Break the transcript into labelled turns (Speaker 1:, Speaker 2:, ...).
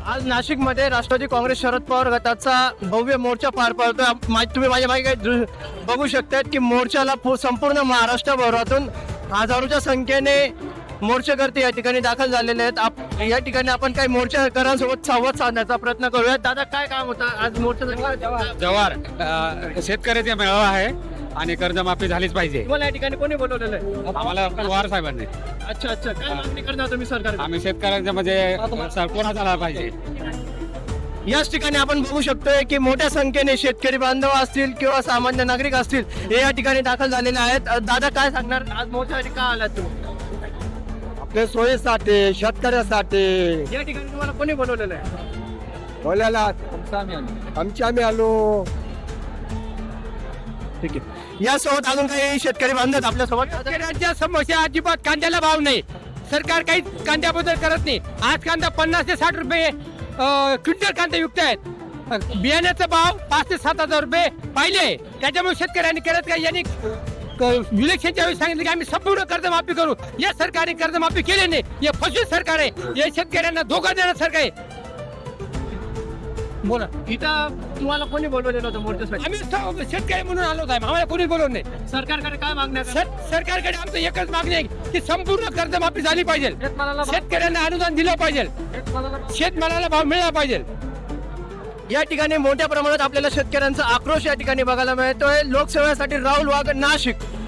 Speaker 1: आज नाशिकमध्ये राष्ट्रवादी काँग्रेस शरद पवार गटाचा भव्य मोर्चा पार पडतोय. तुम्ही माझ्या मागे बघू शकतात की मोर्चाला संपूर्ण महाराष्ट्रभरातून हजारोच्या संख्येने मोर्चेकर्ते या ठिकाणी दाखल झालेले आहेत. या ठिकाणी आपण काही मोर्चेकरांसोबत संवाद साधण्याचा प्रयत्न करूया. दादा, काय काम होतं आज मोर्चा?
Speaker 2: जवार शेतकऱ्याचा मेळावा आहे आणि कर्जमाफी झालीच पाहिजे.
Speaker 1: तुम्हाला या ठिकाणी कोणी बोलवलेलं आहे?
Speaker 2: आम्हाला पवार साहेबांनी.
Speaker 1: अच्छा, काय मागणी करणार तुम्ही सरकार?
Speaker 2: आम्ही शेतकऱ्यांच्या म्हणजे कोणा झाला पाहिजे.
Speaker 1: याच ठिकाणी आपण बघू शकतोय की मोठ्या संख्येने शेतकरी बांधव असतील किंवा सामान्य नागरिक असतील हे या ठिकाणी दाखल झालेले आहेत. दादा, काय सांगणार आज मोर्चासाठी का आलात तुम्ही?
Speaker 3: आपल्या सोयीसाठी, शेतकऱ्यासाठी
Speaker 1: या ठिकाणी तुम्हाला कोणी बोलवलेलं आहे?
Speaker 3: बोलायला आम्ही आलो.
Speaker 1: ठीक आहे. यासोबत अजून काही शेतकरी बांधव आपल्यासोबत?
Speaker 2: शेतकऱ्यांच्या समस्या अजिबात कांद्याला भाव नाही. सरकार काही कांद्याबद्दल करत नाही. आज कांदा 50 ते 60 रुपये क्विंटल कांदा विकत आहेत. बियाण्याचा भाव 5 ते 7 हजार रुपये पाहिले. त्याच्यामुळे शेतकऱ्यांनी करत काय, यांनी इलेक्शनच्या वेळी सांगितलं की आम्ही संपूर्ण कर्जमाफी करू. या सरकारने कर्जमाफी केली नाही. हे फसवीत सरकार आहे. या शेतकऱ्यांना धोका देणार सरकार आहे. बोला.
Speaker 1: इथं तुम्हाला कोणी बोलवलेलं होतं मोर्चासाठी?
Speaker 2: आम्ही शेतकरी म्हणून आलो साहेब. आम्हाला कोणी बोलवलं नाही.
Speaker 1: सरकारकडे काय मागण्या?
Speaker 2: सरकारकडे आमचं एकच मागणी आहे की संपूर्ण कर्जमाफी झाली पाहिजे. शेतकऱ्यांना अनुदान दिलं पाहिजे. शेतमालाला भाव मिळाला पाहिजे.
Speaker 1: या ठिकाणी मोठ्या प्रमाणात आपल्याला शेतकऱ्यांचा आक्रोश या ठिकाणी बघायला मिळतोय. लोकसेवेसाठी राहुल वाघ, नाशिक.